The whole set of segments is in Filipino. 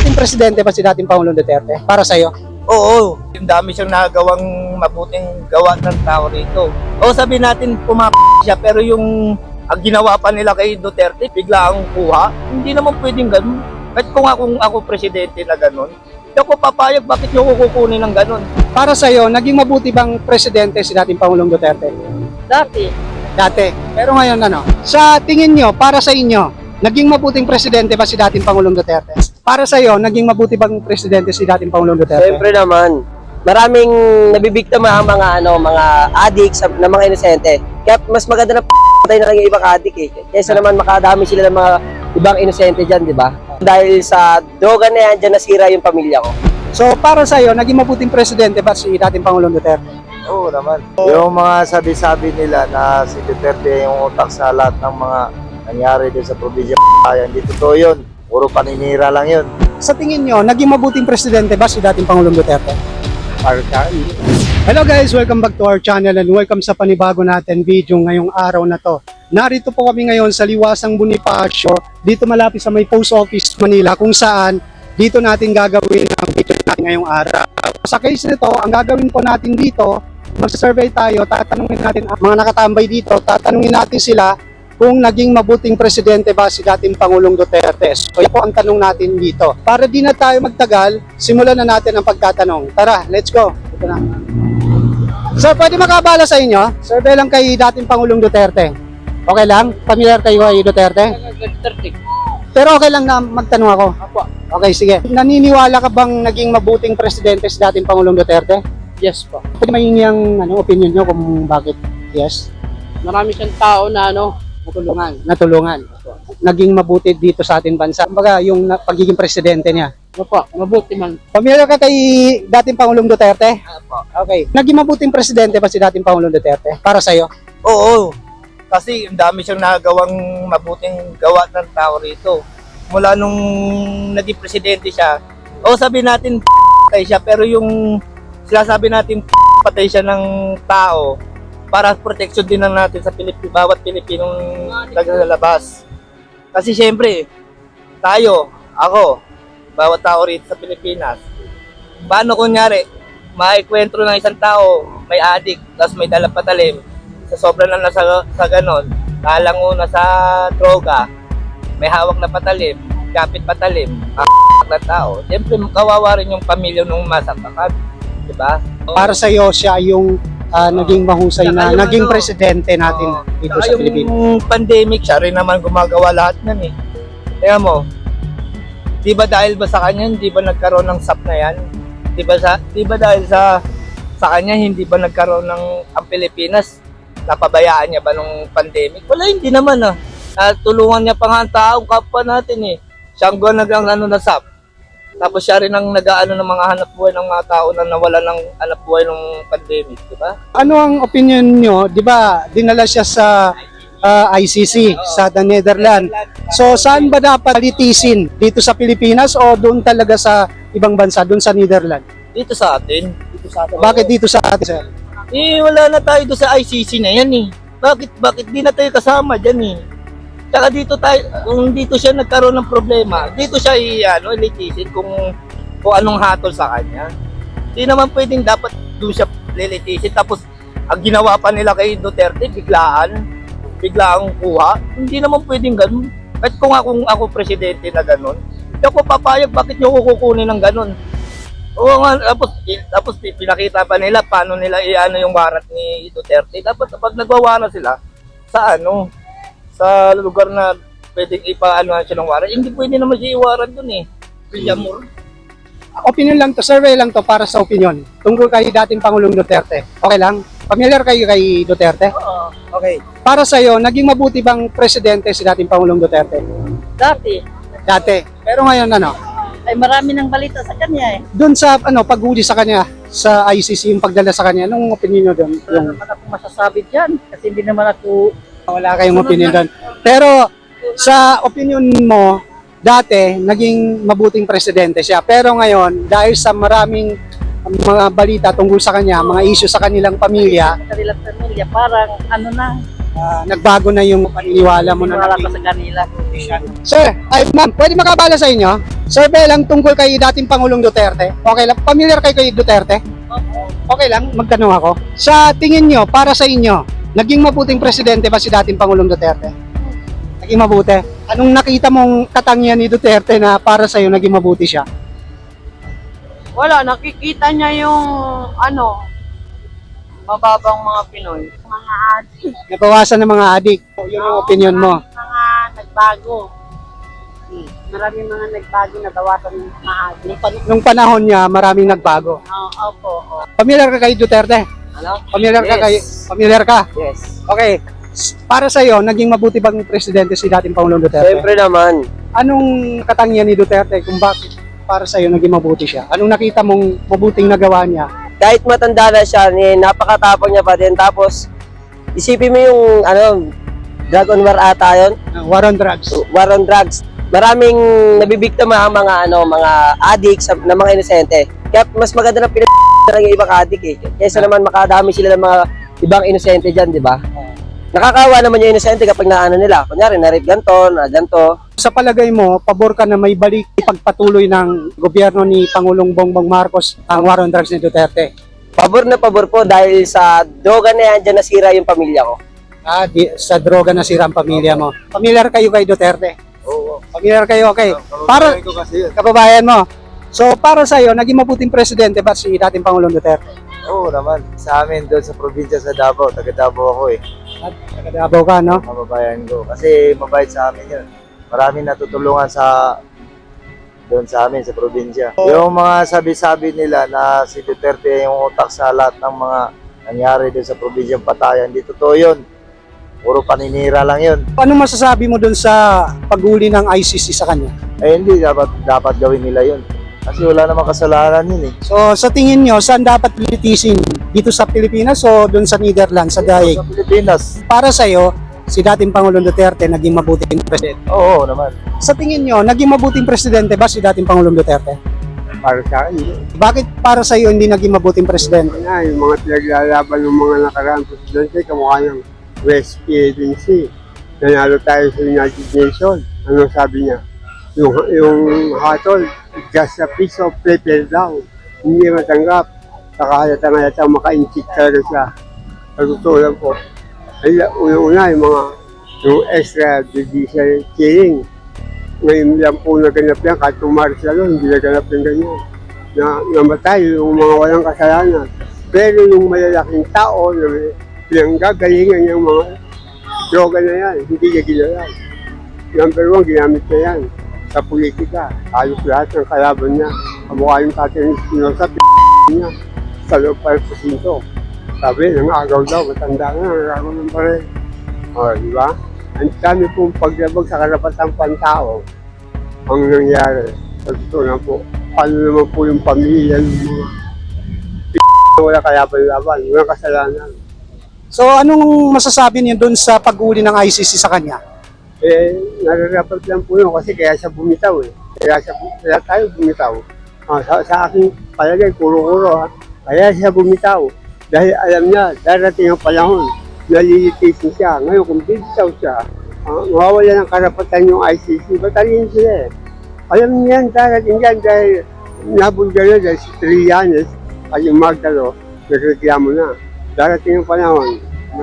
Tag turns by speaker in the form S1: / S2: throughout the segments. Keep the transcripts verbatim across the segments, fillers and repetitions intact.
S1: mabuting presidente ba si dating Pangulong Duterte? Para sa'yo?
S2: Oo, yung dami siyang nagawang mabuting gawa ng tao rito. O sabihin natin pumap siya, pero yung ang ginawa pa nila kay Duterte, bigla ang kuha. Hindi naman pwedeng ganun. Kahit kung ako, ako presidente na ganun, hindi ako papayag, bakit nyo kukunin ng ganun?
S1: Para sa'yo, naging mabuti bang presidente si dating Pangulong Duterte?
S2: Dati,
S1: Dati. Pero ngayon ano? Sa tingin nyo, para sa inyo, naging mabuting presidente ba si dating Pangulong Duterte? Para sa'yo, naging mabuti bang presidente si dating Pangulong Duterte?
S3: Siyempre naman, maraming nabibiktima ang mga ano, mga addicts na mga inosente. Kaya mas maganda na patay na lang yung ibang addict eh. Kaysa naman makadami sila ng mga ibang inosente diyan, di ba? Dahil sa droga na yan, diyan nasira yung pamilya ko.
S1: So, para sa'yo, naging mabuting presidente ba si dating Pangulong Duterte?
S4: Oo naman. Yung mga sabi-sabi nila na si Duterte yung utak sa lahat ng mga nangyari din sa probinsya, hindi totoo yun. Puro paninira lang yun.
S1: Sa tingin nyo, naging mabuting presidente ba si dating Pangulong Duterte? Hello guys, welcome back to our channel and welcome sa panibago natin video ngayong araw na to. Narito po kami ngayon sa Liwasang Bonifacio, dito malapit sa may post office Manila, kung saan dito natin gagawin ang video natin ngayong araw. Sa case nito, ang gagawin po natin dito, mag-survey tayo, tatanungin natin ang mga nakatambay dito, tatanungin natin sila kung naging mabuting presidente ba si dating Pangulong Duterte. So yan po ang tanong natin dito. Para di na tayo magtagal, simulan na natin ang pagtatanong. Tara, let's go. Ito na. Sir, pwede makabala sa inyo? Survey lang kay dating Pangulong Duterte. Okay lang? Familiar kayo kay Duterte? Pero okay lang na magtanong ako. Okay, sige. Naniniwala ka bang naging mabuting presidente si dating Pangulong Duterte?
S5: Yes po.
S1: Pwede mahingi ang ano, opinion nyo kung bakit yes?
S5: Marami siyang tao na ano,
S1: Natulungan. Natulungan. Naging mabuti dito sa ating bansa. Kumbaga, yung na- pagiging presidente niya.
S5: ano po, mabuti man.
S1: Familiar ka kay dating Pangulong Duterte? Okay. Naging mabuting presidente ba si dating Pangulong Duterte? Para sa'yo?
S2: oo. Kasi ang dami siyang nagawang mabuting gawa ng tao rito. Mula nung naging presidente siya, o sabihin natin patay siya, pero yung sinasabi natin patay siya ng tao, para protection din na natin sa Pilip bawat Pilipinong naglalabas. Kasi syempre, tayo, ako, bawat tao rito sa Pilipinas, paano kunyari, maikwentro ng isang tao, may addict, tapos may dalang patalim, sa sobrang na sa, sa ganon, kalango na sa droga, may hawak na patalim, kapit patalim, na tao, syempre kawawa rin yung pamilya nung masaktan, di ba?
S1: Para sa'yo, siya yung ah, naging mahusay
S2: Saka
S1: na
S2: yung
S1: naging
S2: ano,
S1: presidente natin
S2: Oo.
S1: dito
S2: Saka
S1: sa Pilipinas.
S2: yung pandemic, siya rin naman gumagawa lahat nan eh. Kaya mo, di ba dahil ba sa kanya, hindi ba nagkaroon ng S A P na yan? Di ba, sa, di ba dahil sa sa kanya, hindi ba nagkaroon ng ang Pilipinas? Napabayaan niya ba nung pandemic? Wala, hindi naman ah. Tulungan niya pa nga ang tao, kapwa natin eh. Siya ang nag ano na S A P. Tapos siya rin ang nag-aano ng mga hanap buhay ng mga tao na nawala ng hanap buhay ng pandemic, di ba?
S1: Ano ang opinion nyo? Di ba, dinala siya sa ah, I C C, sa the Netherlands. So, saan ba dapat litisin? Dito sa Pilipinas o doon talaga sa ibang bansa, doon sa Netherlands?
S2: Dito sa atin. Dito sa atin.
S1: Bakit dito sa atin, sir?
S2: Eh, wala na tayo doon sa I C C na yan eh. Bakit, bakit di na tayo kasama dyan eh? Tsaka dito tayo, kung dito siya nagkaroon ng problema, dito siya i, ano, litisin kung, kung anong hatol sa kanya. Di naman pwedeng dapat doon siya lilitisin. Tapos, ang ginawa pa nila kay Duterte, biglaan, biglaang kuha. Hindi naman pwedeng ganun. Kahit kung ako, ako presidente na ganun, hindi ako papayag, bakit nyo kukunin ng ganun? Oo nga, tapos, tapos pinakita pa nila paano nila i-ano yung warat ni Duterte. Dapat pag nagwawaran sila, sa ano, sa lugar na pwedeng ipaano siya ng warat, hindi pwede naman siya iwaran dun eh. Villamor.
S1: Opinion lang to, survey lang to para sa opinion. Tungkol kay dating Pangulong Duterte. Okay lang? Familiar kayo kay Duterte?
S2: Oo.
S1: Okay. Para sa'yo, naging mabuti bang presidente si dating Pangulong Duterte?
S5: Dati,
S1: Dati. Pero ngayon ano?
S5: ay marami ng balita sa kanya eh.
S1: Doon sa ano, paghuli sa kanya, sa I C C, yung pagdala sa kanya, anong opinion nyo doon?
S5: Wala
S1: Yung,
S5: naman akong masasabi dyan kasi hindi naman ako
S1: wala kayong opinion doon. Pero sa opinion mo, dati, naging mabuting presidente siya. Pero ngayon, dahil sa maraming mga balita tungkol sa kanya, mga issue sa kanilang pamilya,
S5: sa kanilang pamilya, parang ano na,
S1: Ah, nagbago na yung paniniwala mo na
S5: Wala ka
S1: naging
S5: sa kanila.
S1: Sir, ay ma'am, pwede makabala sa inyo? Sir Belang, tungkol kay dating Pangulong Duterte. Okay lang, familiar kayo kay Duterte? Okay lang, magtanong ako. Sa tingin nyo, para sa inyo, naging mabuting presidente ba si dating Pangulong Duterte? Naging mabuti. Anong nakita mong katangian ni Duterte na para sa iyo naging mabuti siya?
S6: Wala, nakikita niya yung ano, mababang mga Pinoy.
S5: Mga adik.
S1: Nabawasan ng mga adik. Yun ang opinion mo.
S5: Mga nagbago. Hmm. Maraming mga nagbago na bawasan ng mga adik.
S1: Nung panahon niya, maraming nagbago.
S5: Oo, opo. oo.
S1: Familiar ka kay Duterte?
S3: Ano?
S1: Familiar ka
S3: Yes.
S1: kay Familiar ka?
S3: Yes.
S1: Okay. S- Para sa iyo, naging mabuti bang presidente si dating Pangulong Duterte?
S3: Siyempre naman.
S1: Anong katangian ni Duterte kung bakit para sa iyo naging mabuti siya? Anong nakita mong mabuting nagawa niya?
S3: Kahit matanda na siya, eh, napakatapang niya pa din. Tapos, isipin mo yung, ano, drug on war ata yun.
S1: Uh, war on drugs.
S3: War on drugs. Maraming nabibiktima ang mga, ano, mga addicts na mga inosente. Kaya mas maganda na pinag lang yung ibang addict eh. Kaysa naman makadami sila ng mga ibang inosente dyan, di ba? Nakakawa naman yung inosente kapag naano nila. Kunyari, na-rape ganto, na ganto.
S1: Sa palagay mo, pabor ka na may balik pagpatuloy ng gobyerno ni Pangulong Bongbong Marcos ang war on drugs ni Duterte?
S3: Pabor na pabor po dahil sa droga na yan, dyan nasira yung pamilya ko.
S1: Ah, di, sa droga na sira ang pamilya mo. Familiar kayo kay Duterte?
S4: Oo.
S1: Familiar kayo, okay. Para,
S4: ko kasi yun.
S1: kababayan mo. So, para sa iyo, naging mabuting presidente ba si dating Pangulong Duterte?
S4: Oo naman. Sa amin doon sa probinsya sa Davao, taga Davao ako eh.
S1: At taga-Davao ka, no?
S4: Kababayan ko. Kasi mabait sa amin yun. Maraming natutulungan sa doon sa amin sa probinsya. Yung mga sabi-sabi nila na si Duterte yung utak sa lahat ng mga nangyari doon sa probinsyang Patayan, di totoo yun. Puro paninira lang yun.
S1: Ano masasabi mo dun sa paghuli ng I C C sa kanya?
S4: Eh hindi dapat dapat gawin nila yun. Kasi wala namang kasalanan yun eh.
S1: So, sa tingin nyo, saan dapat litisin? Dito sa Pilipinas o dun sa Netherlands, sa Daig?
S4: Sa Pilipinas,
S1: Para sa'yo, si dating Pangulong Duterte naging mabuting presidente.
S4: oo naman.
S1: Sa tingin nyo, naging mabuting presidente ba si dating Pangulong Duterte?
S7: Para sa akin, hindi.
S1: Bakit para sa'yo hindi naging mabuting presidente?
S7: Na, yung mga pinaglalaban ng mga nakaraang presidente, kamukha ng West Agency. Nanalo tayo sa United Nations. Ano sabi niya? Yung, yung hatol, just a piece of paper daw. Hindi matanggap. Saka nga yata maka-inchik talaga siya. Sa totoo lang po. Ay, una-una yung mga yung extrajudicial killing. Ngayon lang po naganap yan, kahit tumaris lang yun, hindi naganap yung ganyan. Na namatay yung mga walang kasalanan. Pero yung malalaking tao na pinanggagalingan yung mga droga na yan, hindi niya ginalaw. Number one, ginamit niya yan sa politika. Ayos lahat ng kalaban niya. Kamukha yung Catherine Espinosa, p*** niya sa loob pa ng presinto. Sabi, nangagaw daw, matanda na, nangagaw ng pare. O, di ba? Ang dami pong paglabag sa karapatang pantao ang nangyari. Sa totoo na po, paano naman po yung pamilya ng mga p*** na wala kalaban-laban, wala kasalanan.
S1: So, anong masasabi niyo dun sa paghuli ng I C C sa kanya?
S7: Eh, nararapat lang po yun kasi kaya siya bumitaw eh. Kaya, siya, kaya tayo bumitaw. Ah, sa, sa aking palagay, kuro-kuro ha. Kaya siya bumitaw. Dahil alam niya, darating ang panahon, nalilitisin siya. Ngayon, kung bumitaw siya, ah, mawawala ng karapatan yung I C C. Batalyin sila eh. Alam niya yan, darating yan dahil nabulgar na dahil si Trillanes at yung Magdalo, nagreklamo na. Darating ang panahon na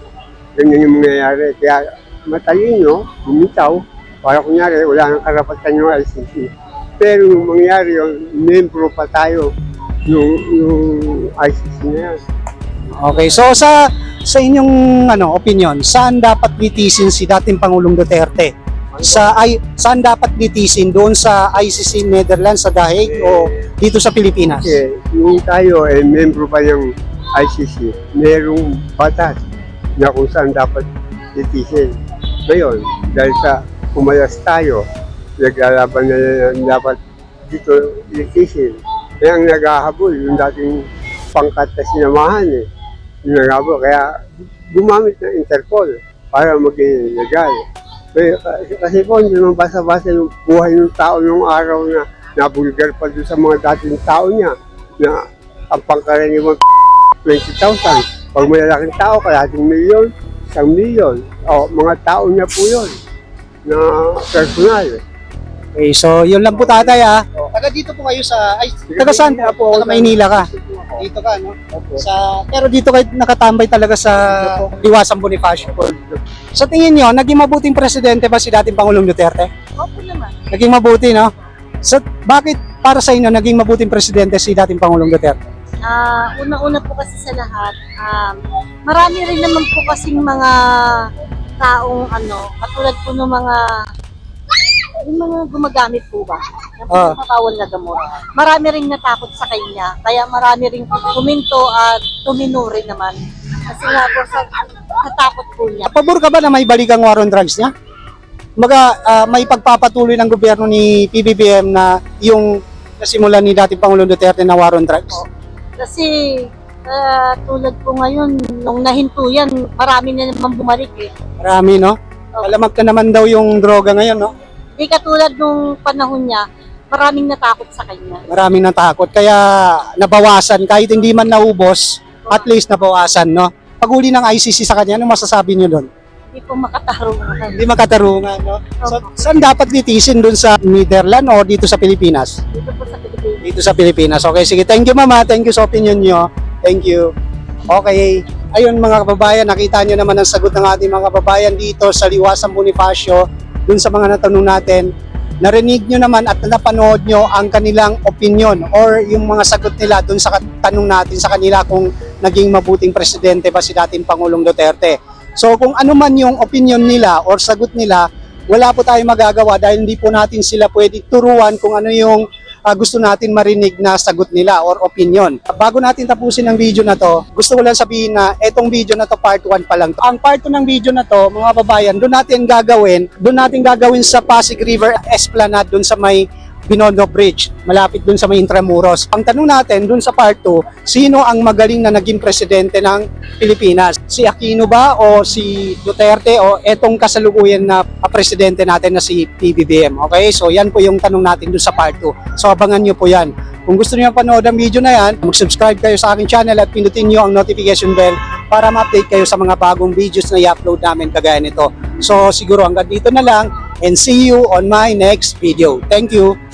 S7: ganyan yung mangyayari. Kaya matalino, bumitaw, para kunyari wala nang karapatan yung I C C. Pero yung mangyari yung membro pa tayo yung, yung I C C na yan.
S1: Okay, so sa sa inyong ano opinion, saan dapat litisin si dating Pangulong Duterte? Sa ay saan dapat litisin doon sa I C C Netherlands sa Daig o dito sa Pilipinas?
S7: Kasi yung tayo ay membro pa ng I C C, merong batas na kung saan dapat litisin. Ngayon, dahil sa umalas tayo, naglalaban na yan dapat dito litisin. Kaya ang naghahabol, yung dating pangkat na sinamahan eh. Yung naghahabol, kaya gumamit ng Interpol para maging legal. Kaya, kasi po, hindi naman basa-basa yung buhay ng tao yung araw na nabulgar pa doon sa mga dating tao niya na ang pangkaraniwan twenty thousand. Pag malalaking tao, kalating milyon, isang milyon. O, mga tao niya po yun na personal.
S1: Okay, so yun lang po tatay ah. Taga dito po kayo sa, ay, taga saan po? Taga Maynila ka. Dito ka, no? Sa, pero dito kayo nakatambay talaga sa Liwasang Bonifacio. Sa tingin nyo, naging mabuting presidente ba si dating Pangulong Duterte?
S5: Opo naman.
S1: Naging mabuti, no? So, bakit para sa inyo naging mabuting presidente si dating Pangulong Duterte?
S5: Ah, una-una po kasi sa lahat, um, marami rin naman po kasing mga taong ano, katulad po ng mga yung mga gumagamit po ba ng
S1: Ah.
S5: bawal na gamot. Marami rin natakot sa kanya, kaya marami rin kuminto at tumino rin naman. Kasi nga po sa natakot po niya.
S1: Pabor ka ba na may balik ang war on drugs niya? Maga, ah, may pagpapatuloy ng gobyerno ni P B B M na yung nasimulan ni dating Pangulong Duterte na war on drugs?
S5: Kasi ah, tulad po ngayon, nung nahinto yan, marami na naman bumalik eh.
S1: Marami, no? Alamag na naman daw yung droga ngayon, no?
S5: Di katulad nung panahon niya, maraming natakot sa kanya.
S1: Maraming natakot. Kaya nabawasan, kahit hindi man naubos, at least nabawasan, no? Paghuli ng I C C sa kanya, ano masasabi niyo doon?
S5: Hindi po makatarungan.
S1: Hindi makatarungan, no? So, saan dapat litisin doon sa Netherlands o dito sa Pilipinas?
S5: Dito po sa Pilipinas.
S1: Dito sa Pilipinas. Okay, sige. Thank you, Mama. Thank you sa opinion nyo. Thank you. Okay. Ayun, mga kababayan, nakita nyo naman ang sagot ng ating mga kababayan dito sa Liwasang Bonifacio. Dun sa mga natanong natin, narinig nyo naman at napanood nyo ang kanilang opinion or yung mga sagot nila dun sa tanong natin sa kanila kung naging mabuting presidente ba si dating Pangulong Duterte. So kung ano man yung opinion nila or sagot nila, wala po tayong magagawa dahil hindi po natin sila pwede turuan kung ano yung uh, gusto natin marinig na sagot nila or opinion. Bago natin tapusin ang video na to, gusto ko lang sabihin na etong video na to part one pa lang. Ang part two ng video na to, mga babayan, doon natin gagawin, doon natin gagawin sa Pasig River Esplanade, doon sa may Binondo Bridge, malapit doon sa may Intramuros. Ang tanong natin doon sa part two, sino ang magaling na naging presidente ng Pilipinas? Si Aquino ba o si Duterte o etong kasalukuyan na presidente natin na si P B B M? Okay, so yan po yung tanong natin doon sa part two. So abangan nyo po yan. Kung gusto niyo panood ang video na yan, mag-subscribe kayo sa aking channel at pindutin nyo ang notification bell para ma-update kayo sa mga bagong videos na i-upload namin kagaya nito. So siguro hanggang dito na lang and see you on my next video. Thank you!